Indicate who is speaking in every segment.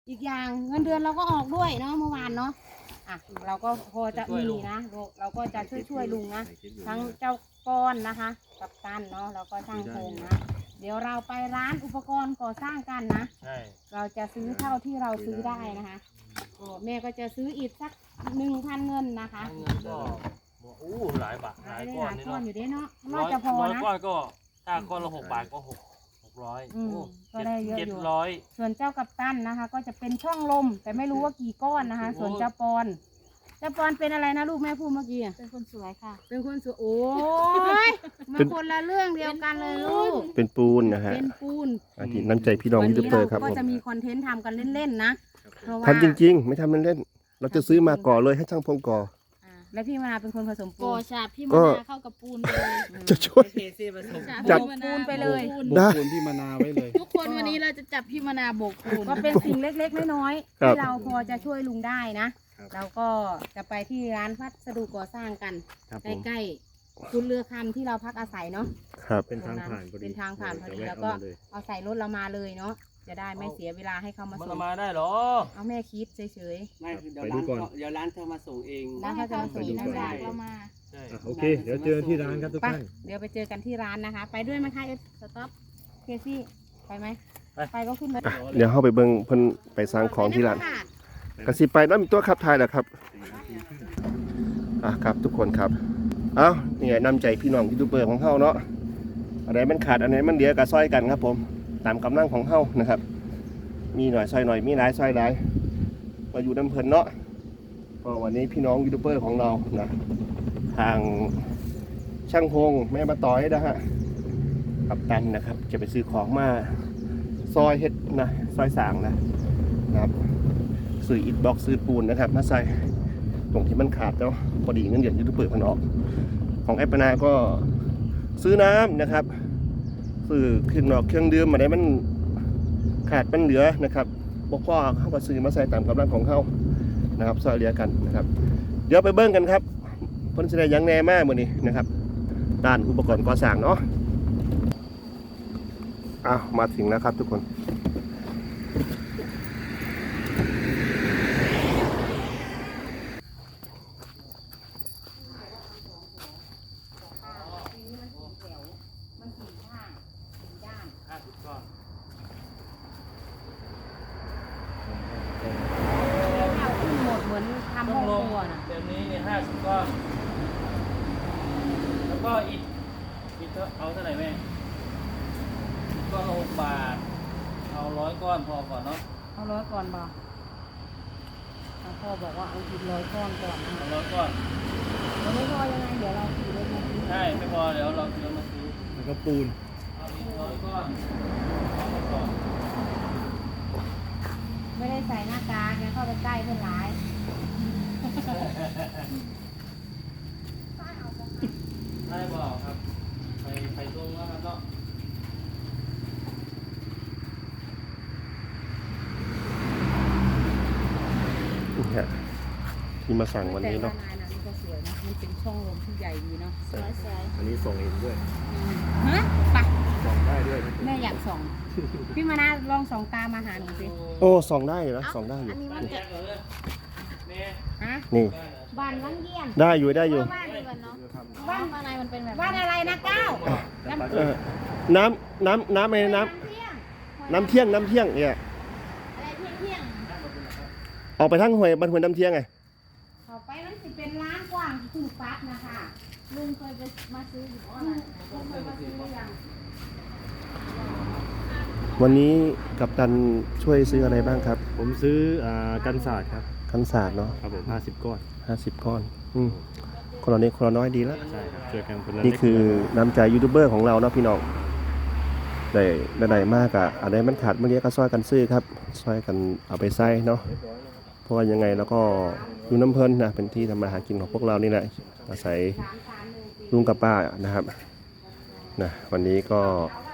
Speaker 1: อีกอย่างเงินเดือนเราก็ออกด้วยเนาะเมื่อวานเนาะอ่ะเราก็พอจะมีนะเราก็จะช่วยลุงนะทั้งเจ้าก้อนนะคะกับตันเนาะแล้วก็ช่างโครงนะเดี๋ยวเราไปร้านอุปกรณ์ก่อสร้างกันนะเราจะซื้อเท่าที่เราซื้อได้นะคะแม่ก็จะซื้ออีกสัก1,000เงินนะคะ
Speaker 2: เงินก็อู้หลายบาทหลายก้อนนี่
Speaker 1: ก้อน
Speaker 2: เนาะ
Speaker 1: อยู่ด้วยเนาะน่าจะพอ
Speaker 2: ร้อย
Speaker 1: นะ
Speaker 2: ก้อนก็ถ้าก้อนละ6 บาทก็600
Speaker 1: ก็ได้เยอะอยู่
Speaker 2: 700
Speaker 1: ส่วนเจ้ากัปตันนะคะ ก็จะเป็นช่องลมแต่ไม่รู้ว่ากี่ก้อนนะคะ ส่วนเจ้าปอนเป็นอะไรนะลูกแม่พูดเมื่อกี้
Speaker 3: เป็นคนสวยค่ะ
Speaker 1: เป็นคนสวยโอ้ยมาคนละเรื่องเดียวกันเลยลูก
Speaker 4: เป็นปูนนะฮะ
Speaker 1: เป็นปูน
Speaker 4: อาทิตย์น้ำใจพี่น้องยูทูบเบอร์ครับ
Speaker 1: ก็
Speaker 4: ผม
Speaker 1: จะมีคอนเทนต์ทำกันเล่นๆนะเพราะว่า
Speaker 4: ทำจริงๆไม่ทำเล่นๆเราจะซื้อมาก่อเลยให้ช่างพงก่อ
Speaker 1: และพี่มนาเป็นคนผสมปู
Speaker 3: โก
Speaker 1: น
Speaker 3: ฉาบพี่มะนาวเข้ากับปูนเลย
Speaker 4: จะช่วย
Speaker 2: เทซี่ผสม
Speaker 4: จับ
Speaker 1: ปูนไปเลย
Speaker 4: ได้
Speaker 5: ปูนที่มานาไว้เลย
Speaker 3: ทุกคนวันนี้เราจะจับพี่มะนาวโบกปูน
Speaker 1: ก็เป็นสิ่งเล็กๆน้อยๆ
Speaker 4: ครับ
Speaker 1: ที่เราพอจะช่วยลุงได้นะเราก็จะไปที่ร้านพัสดุก่อสร้างกัน
Speaker 5: ครับผม
Speaker 1: ใกล้ๆคุณเรือคำที่เราพักอาศัยเนาะ
Speaker 4: ครับ
Speaker 5: เป็นทางผ่านพอดี
Speaker 1: เป็นทางผ่านพอดี
Speaker 5: เดี๋ย
Speaker 1: แล้ว
Speaker 5: แะ
Speaker 1: ก็
Speaker 5: เอามาเลย
Speaker 1: เอาใส่รถเรามาเลยเนาะจะได้ไม่เสียเวลาให้เขามา
Speaker 2: มัน
Speaker 1: ส่ง
Speaker 2: มาได้เหรอ
Speaker 1: เอาแม่คิดเฉย
Speaker 6: ไม่เดี๋ยวร้านเขาเดี๋ยวร้านเขามาส่งเอง
Speaker 1: ๆแล้วเขาจะมาส่ง
Speaker 3: ขี่
Speaker 1: ได้
Speaker 3: จากเรามา
Speaker 2: ใช่
Speaker 5: อ่ะโอเค เดี๋ยวเจอที่ร้านครับทุก
Speaker 1: ไป
Speaker 5: ท่าน
Speaker 1: เดี๋ยวไปเจอกันที่ร้านนะคะ ไปด้วยไหมคะสต็อปเคซี่ไปไหมไปก็ขึ้นรถ
Speaker 4: อ่ะเดี๋ยวเข้าไปเบิ่งเพิ่นไปสร้างของที่ร้านกระสิไปแล้วมีตัวขับถ่ายแหละครับครับทุกคนครับเอ้านี่ไงน้ำใจพี่น้องยูทูบเบอร์ของเฮาเนาะอะไรมันขาดอันไหนมันเหลือก็ซอยกันครับผมตามกำลังของเฮานะครับมีหน่อยซอยหน่อยมีหลายซอยหลายมาอยู่น้ำเพลินเนาะก็วันนี้พี่น้องยูทูบเบอร์ของเรานะทางช่างพงแม่มาต่อยนะฮะกับตันนะครับจะไปซื้อของมาซอยเฮ็ดนะซอยสางนะครับซื้ออิฐบล็อกซื้อปูนนะครับมาใส่ตรงที่มันขาดเนาะพอดีเงินเดือนยูทูบเบอร์มันออกของแอปปนาก็ซื้อน้ำนะครับซื้อเครื่องนอกเครื่องดื่มมาได้มันขาดมันเหลือนะครับบกพ่อเข้ามาซื้อมาใส่ตามกำลังของเขานะครับซอยเหลือกันนะครับเดี๋ยวไปเบิ้งกันครับเพิ่นแสดงยังแน่มากมื้อนี้นะครับด้านอุปกรณ์ก่อสร้างเนาะมาถึงแล้วครับทุกคน
Speaker 2: 50 ก้อน
Speaker 1: ขึ้นหมดเหมือนทำ
Speaker 2: ต้
Speaker 1: ห้
Speaker 2: อ
Speaker 1: อง ง
Speaker 2: ลง
Speaker 1: ครัวนะ
Speaker 2: แบบนี้เนี่ย50 ก้อน แล้วก็อิฐเอาเท่าไหร่แม่ก้อนละ6 บาท เอา100 ก้อนพอก่อนเนาะ
Speaker 1: เอา100ก่อนบ่พ่อบอกว่าเอาอีก100ก้อนก่อนนะ
Speaker 2: เอา100 ก้อน
Speaker 1: เราไม่พอยังไงเดี๋ยวเราขี่รถมาซื้อ
Speaker 2: ใช่ไม่พอเดี๋ยวเราซื้อมาซื้อ
Speaker 5: แล้วก็ปูน
Speaker 2: เอาอีก100 ก้อนเอาไปก่อน
Speaker 1: ไม่ได้ใส่หน้ากากเนี่ยเข้าไปใกล้เพื่อนร้าย
Speaker 2: ได้บอกครับไปตรงแล้วครับเนาะ
Speaker 4: นี่ฮะที่มาสั่งวันนี้เนาะ
Speaker 1: แต่ว่ลายนั้นก็สวยนะมันเป็นช่องลมที่ใหญ่ดีเนาะ
Speaker 3: สวย
Speaker 5: อันนี้ส่งเองด้วย
Speaker 1: ฮะไป
Speaker 5: ส่งได้ด้วยนะ
Speaker 1: แม่อยากส่อง พี่มานาลองส่องตามมาหาหนูสิ
Speaker 4: โอ้ส่องได้อยู่นะส่องได้อยู่
Speaker 1: อันนี้
Speaker 2: บ้า
Speaker 1: มัน น
Speaker 2: แย
Speaker 1: จะ
Speaker 2: กเลยแม่
Speaker 1: ฮะ
Speaker 4: นี่
Speaker 1: บ้านวังเยี่ยม
Speaker 4: ได้อยู่ได้อยู่
Speaker 3: บ้านเดียวกันเนาะบ้านข้างในมันเป็นแบบ
Speaker 1: บ้านอะไรนะก้าว
Speaker 4: เออน้ำอะไรน้ำ น้ำเที่ยงเนี่ย
Speaker 3: อะไรเที่ยง
Speaker 4: ออกไปทั้งห้วยบ้านห้วยน้ำเที่ยงไง
Speaker 1: ต่อไปมันจะเป็นร้านกว้างที่ถูกปั๊บนะคะ
Speaker 3: ๆลุงเคยไปมาซื้ออยู่อ๋อ
Speaker 1: ลุงเคยมาซื้อหรือยัง
Speaker 4: วันนี้กัปตันช่วยซื้ออะไรบ้างครับ
Speaker 5: ผมซื้อกันศาสตร์ครับ
Speaker 4: กันศาสตร์เนาะ
Speaker 5: ครับผม50 ก้อน
Speaker 4: 50 ก้อนคนละนิดคนละน้อยดีแล้ว
Speaker 5: ใช่ครับช่วยกันคนละ
Speaker 4: นี่
Speaker 5: เล็ก
Speaker 4: คือ
Speaker 5: คนละน้อย
Speaker 4: น้ำใจยูทูบเบอร์ของเราเนาะพี่น้องได้มากอะอะไรมันขาดเมื่อกี้ก็ซอยกันซื้อครับซอยกันเอาไปใส่เนาะเพราะว่ายังไงแล้วก็อยู่น้ำเพลินนะเป็นที่ทำมาหากินของพวกเรานี่แหละอาศัยลุงกับป้านะครับนะวันนี้ก็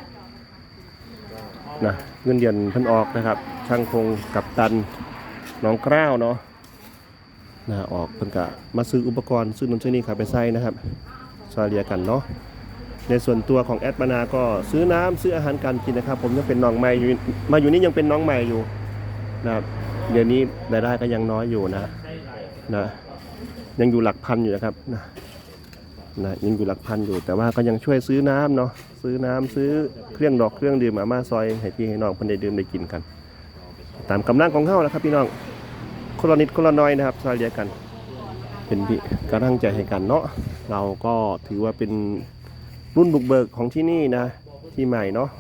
Speaker 4: นะเงินเดือนเพิ่นออกนะครับ ช่างพงกับตันน้องกล้าวเนาะนะออกเพิ่นกะมาซื้ออุปกรณ์ซื้อนู่นซื้อนี่ครับไปใส่นะครับซอยเรียกันเนาะในส่วนตัวของแอดมานาก็ซื้อน้ำซื้ออาหารการกินนะครับ ผมยังเป็นน้องใหม่อยู่มาอยู่นี่ยังเป็นน้องใหม่อยู่นะครับเดี๋ยวนี้รายได้ก็ยังน้อยอยู่นะยังอยู่หลักพันอยู่นะครับนะยังอยู่หลักพันอยู่แต่ว่าก็ยังช่วยซื้อน้ำเนาะซื้อน้ำซื้อเครื่องดอกเครื่องดื่มมาซอยให้พี่ให้น้องเพิ่นได้ดื่มได้กินกันตามกำลังของเฮาแล้วครับพี่น้องคนละนิดคนละน้อยนะครับซอยเหลือกันเป็นพี่กำลังใจให้กันเนาะเราก็ถือว่าเป็นรุ่นบุกเบิกของที่นี่นะที่ใหม่เนาะ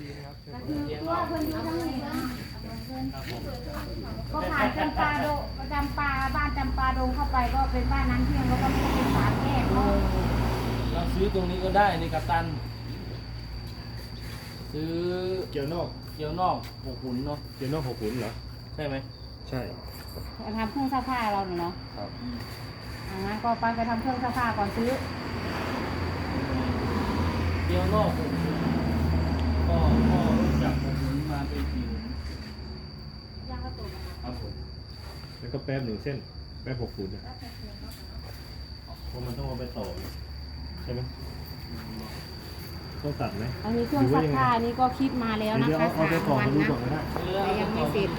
Speaker 1: ก็ผ่านจำปาดงบ้านจำปาดงเข้าไปก็เป็นบ้านน้ำเที่ยงแล้วก็ไม่ได้เป็นสามแยกเนาะ
Speaker 2: เราซื้อตรงนี้ก็ได้นี่กัปตัน ซื้อ
Speaker 5: เกียวนอก
Speaker 2: เกี๊ยวนอก6 หุ่นเนาะ
Speaker 5: เกียวนอก6 หุ่นเหรอ
Speaker 2: ใช่ไหม
Speaker 5: ใช่
Speaker 1: ทำเครื่องซักผ้าเราเนาะ
Speaker 5: ครับ
Speaker 1: งั้นก็ไปทำเครื่องซักผ้าก่อนซื้อ
Speaker 2: เกี๊ยวนอก6 หุ่นก็จาก6 หุ่นมาเป็น4 หุ่น
Speaker 1: ย่างกระตุก
Speaker 2: ครับผม
Speaker 5: แล้วก็แป๊บ1 เส้นแป๊บ6 หุ่นนะเพราะมันต้องเอาไปต่อใช่ไหมต้องตัดไหม
Speaker 1: อันนี้เครื่องซักผ้านี่ก็คิดมาแล้วนะ
Speaker 5: เดี๋ยว
Speaker 1: คะ
Speaker 5: เอาไปต่อ
Speaker 1: 3 วัน
Speaker 5: มาดู
Speaker 1: นะ
Speaker 5: ก่อนก็ได้
Speaker 1: แต่ยังไม่เสร็จ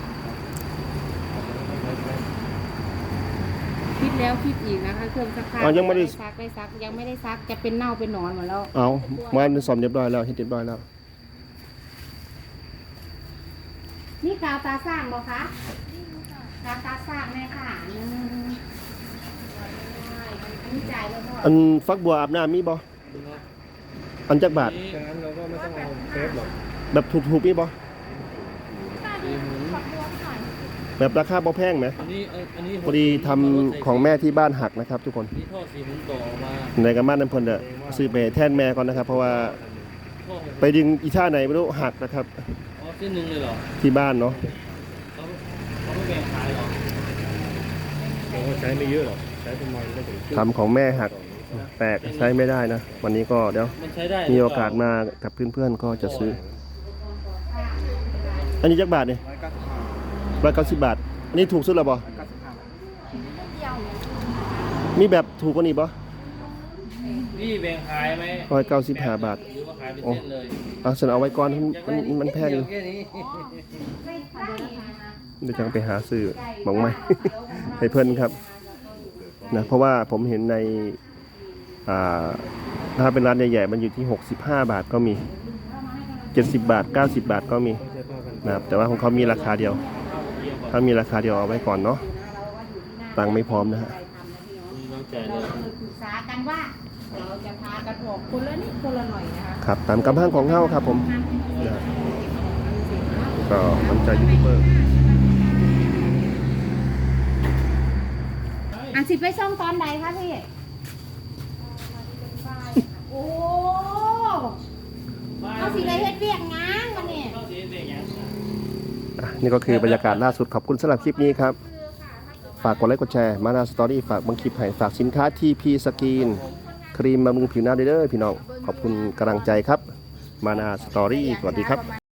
Speaker 1: คิดแล้วคิดอีกนะคะเครื่องซักผ้า
Speaker 4: ยังไม่ได้
Speaker 1: ซักยังไม่ได้ซักจะเป็นเน่าเป็นหนอนหมดแล้ว
Speaker 4: เอามาสอมเรียบร้อยแล้วเฮ็ดเรียบร้อยแล้ว
Speaker 1: นี่กาวตาสร้างบ่คะกาวตาสร้างแม่ค่ะอันนี้จ่ายแล้วพ่อ
Speaker 4: อันฟักบัวอาบน้ำมีบ่อันจักบาท
Speaker 5: ดังนั้นเราก็ไม่ต้องเอาเซฟหรอก
Speaker 4: แบบถูกๆมีบ่แบบราคาบ่แพงไหม
Speaker 2: อันนี้
Speaker 4: พอดีทำของแม่ที่บ้านหักนะครับ ทุกคน
Speaker 2: นี่ท่อ4 หุ่นต่อมา
Speaker 4: ในกระมัดน้ำพลเด้อซื้อไปแทนแม่ก่อนนะครับ เพราะว่า
Speaker 2: ท่อ6
Speaker 4: ไปดึงอีท่าไหนไม่รู้หักนะครับ
Speaker 2: อ๋อเส้นหนึ่งเลยเหรอ
Speaker 4: ที่บ้านเนาะ
Speaker 2: เขาไม่แบ่งขายเหรอ
Speaker 5: เราก็ใช้ไม่เยอะหรอกใช้ประมาณได้ถึง
Speaker 4: ทำของแม่หักแตกใช้ไม่ได้นะ วันนี้ก็เดี๋ยว
Speaker 2: มันใช้ได้
Speaker 4: มีโอกาสมากับเพื่อนๆก็จะซื้อ อันนี้จักบาทเนี่ย190 บาท อันนี้ถูกสุดแล้วบ่มีแบบถูกกว่านี้บ่
Speaker 2: พี่แบ่งขายไหม
Speaker 4: 195 บาท
Speaker 2: หรือว่าขายเป็นเส้นเลย
Speaker 4: เอาฉันเอาไว้ก่อนมันแพงอยู่
Speaker 6: แค่นี้
Speaker 4: เดี๋ยวจะไปหาซื้อมองไหม ให้เพื่อนครับนะเพราะว่าผมเห็นในถ้าเป็นร้านใหญ่ๆมันอยู่ที่65 บาทก็มี70 บาท90 บาทก็มีนะครับแต่ว่าของเขามีราคาเดียว ถ้ามีราคาเดียวเอาไว้ก่อนเนาะตังค์ไม่พร้อมนะฮะ
Speaker 2: น้ำใจ
Speaker 1: เรา
Speaker 2: เลย
Speaker 1: เคยปรึกษากันว่าเราจะพากันออกคนละนิดคนละหน่อยนะคะ
Speaker 4: ครับตามกำลังของเฮาครับผมนะก็น้ำใจยูทูบเบอร์
Speaker 1: สิไปซ่อมตอนไหนคะพี่ โอ้เอาสิเลยเฮ็ดเวียกงานวันนี้
Speaker 2: เข้าสีเด็กอย่าง
Speaker 4: นี่ก็คือบรรยากาศล่าสุดขอบคุณสำหรับคลิปนี้ครับ ฝากกดไลค์กดแชร์มานาสตอรี่ฝากบางคลิปให้ฝากสินค้า TP สกินครีมบำรุงผิวหน้าเด้อพี่น้องขอบคุณกำลังใจครับมานาสตอรี่สวัสดีครับ